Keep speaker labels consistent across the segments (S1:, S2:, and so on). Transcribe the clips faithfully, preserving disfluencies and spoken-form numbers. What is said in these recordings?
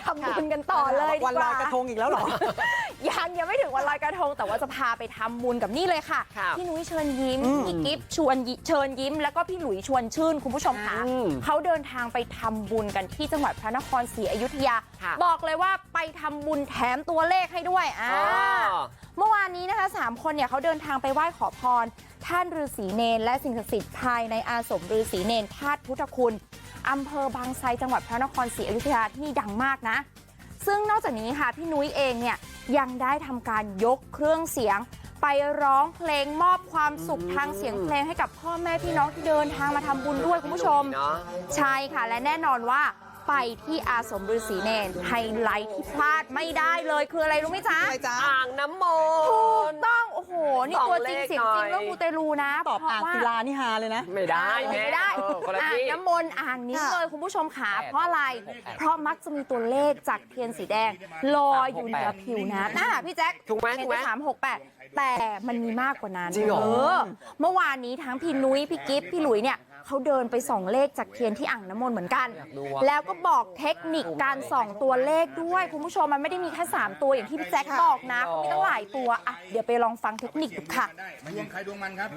S1: ำบุญกันต่อเลยดีกว่า
S2: วันลอยกระทงอีกแล้วเหรอ
S1: ยังยังไม่ถึงวันลอยกระทงแต่ว่าจะพาไปทำบุญกับนี่เลยค่ะพี่นุ้ยเชิญยิ้มพี่กิฟต์ชวนเชิญยิ้มแล้วก็พี่หลุยชวนชื่นคุณผู้ชมค่ะเขาเดินทางไปทำบุญกันที่จังหวัดพระนครศรีอยุธยาบอกเลยว่าไปทำบุญแถมตัวเลขให้ด้วยอ่าเมื่อวานนี้นะคะสามคนเนี่ยเขาเดินทางไปไหว้ขอพรท่านฤาษีเนรและสิ่งศักดิ์สิทธิ์ภายในอาสมฤาษีเนรธาตุพุทธคุณอำเภอบางไทรจังหวัดพระนครศรีอยุธยาที่นี่ดังมากนะซึ่งนอกจากนี้ค่ะพี่นุ้ยเองเนี่ยยังได้ทำการยกเครื่องเสียงไปร้องเพลงมอบความสุขทางเสียงเพลงให้กับพ่อแม่พี่น้องที่เดินทางมาทำบุญด้วยคุณผู้ชมใช่ค่ะและแน่นอนว่าไปที่อาสมฤาษีเนรไฮไลท์ที่พลาดไม่ได้เลยคืออะไรรู้ไหมจ๊ะ
S3: อ่างน้ำมนต์
S1: ถูกต้องโอ้โหนี่ตัวจริงเสียงจริงเรื่องมูเตลูนะ
S2: ตอบอ่างศิลานี่ฮาเลยนะ
S3: ไม่ได้
S1: ไม่ได้อ่างน้ำมนต์อ่างนี้เลยคุณผู้ชมขาเพราะอะไรเพราะมักจะมีตัวเลขจากเทียนสีแดงลอยอยู่เหนือผิวน้ำน่ะพี่แจ๊ค
S3: ถูกไหมถูกไหม
S1: สามหกแปดแต่มันมีมากกว่านั้น
S3: จริงเหรอ
S1: เมื่อวานนี้ทั้งพี่นุ้ยพี่กิฟต์พี่หลุยเนี่ยเขาเดินไปส่องเลขจากเทียนที่อ่างน้ำมนต์เหมือนกันแล้วก็บอกเทคนิคการส่องตัวเลขด้วยคุณผู้ชมมันไม่ได้มีแค่สามตัวอย่างที่พี่แจ็คบอกนะเขามีตั้งหลายตัวอ่ะเดี๋ยวไปลองฟังเทคนิคดูค่ะ
S4: ดวงใครดวงมันครับ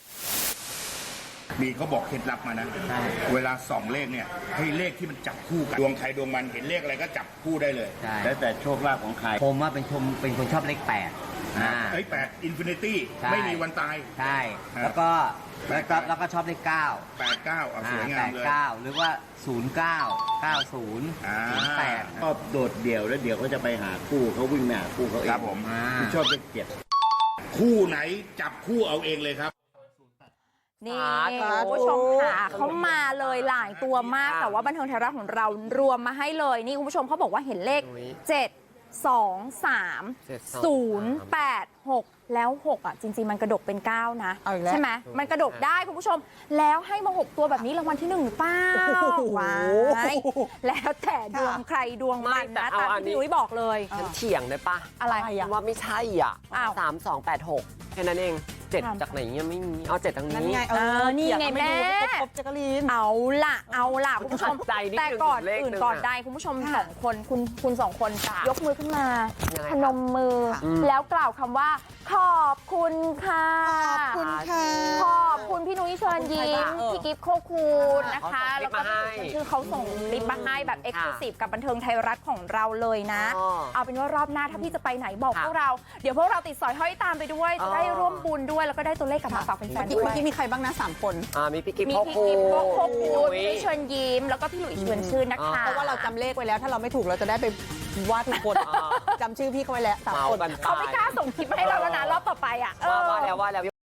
S4: มีเขาบอกเคล็ดลับมานะเวลาส่องเลขเนี่ยให้เลขที่มันจับคู่กันดวงใครดวงมันเห็นเลขอะไรก็จับคู่ได้เลย
S5: แล้วแต่โชคลาภของใครผมว่าเป็นชมเป็นคนชอบเลขแปดอ่า
S4: เฮ้ยแปดอินฟินิตี้ไม่มีวันตาย
S5: ใช่แล้วก็แล้วก็แล้วก็ชอบเลขเก้า
S4: แปดเก้าเอาสวยงามเลย
S5: แปดเก้าหรือว่าศูนย์เก้าเก้าศูนย์ศูนย์แปด
S6: ชอบโดดเดี่ยวแล้วเดี๋ยวเขาจะไปหาคู่เขาวิ่งหน้าคู่เขาเอง
S4: ครับผม
S6: ชอบเลขเจ็ด
S4: คู่ไหนจับคู่เอาเองเลยครับ
S1: นี่คุณผู้ชมค่ะเขามาเลยหลายตัวมากแต่ว่าบันเทิงไทยรัฐของเรารวมมาให้เลยนี่คุณผู้ชมเขาบอกว่าเห็นเลขเจ็ด สอง สาม ศูนย์ แปด หกแล้วหกอ่ะจริงๆมันกระดกเป็นเก้านะใช่ไหมมันกระดกได้คุณผู้ชมแล้วให้มาหกตัวแบบนี้รางวัลที่หนึ่งหรือเปล่าว้ายแล้วแต่ดวงใครดวงมันนะตามที่พี่นุ้ยบอกเลย
S3: ฉันเถียงได้ปะ
S1: อะไร
S3: ว่าไม่ใช่อ่ะสามสองแปดหกแค่นั้นเองเจ็ดจากไหนยังไม่มีเอาเจ็ดทางนี้
S2: ไงเออนี่ไงแม่ครบจักรีน
S1: เอาล่ะเอาล่ะคุณผู้ชมแต่ก่อนอื่นก่อนใดคุณผู้ชมสองคนคุณคุณสองคนยกมือขึ้นมาพนมมือแล้วกล่าวคำว่าขอบคุณค่ะ
S2: ขอบคุณค่ะ
S1: ขอบคุณพี่นุ้ยเชิญยิ้มพี่กิฟต์โคคูนนะคะแล้วก็คือเขาส่งลิปมาให้แบบเอ็กซ์คลูซีฟกับบันเทิงไทยรัฐของเราเลยนะเอาเป็นว่ารอบหน้าถ้าพี่จะไปไหนบอกพวกเราเดี๋ยวพวกเราติดสอยห้อยตามไปด้วยจะได้ร่วมบุญด้วยแล้วก็ได้ตัวเลขกลับมาฝากแฟนๆด้วย
S2: เมื่อกี้มีใครบ้างนะสามคน
S3: อ่ามีพี่กิฟต์
S1: โคคูนพี่เชิญยิ้มแล้วก็พี่หลุยเชิญชื่นนะคะ
S2: เพราะว่าเราจำเลขไว้แล้วถ้าเราไม่ถูกเราจะได้ไปว่าทุกคนจำชื่อพี่เขาไว้แล้วสามคน
S1: เขาไม่กล้าส่งคลิปมาให้เราแล้วนะรอบต่อไปอ่ะ
S3: ว่าแล้วว่าแล้ว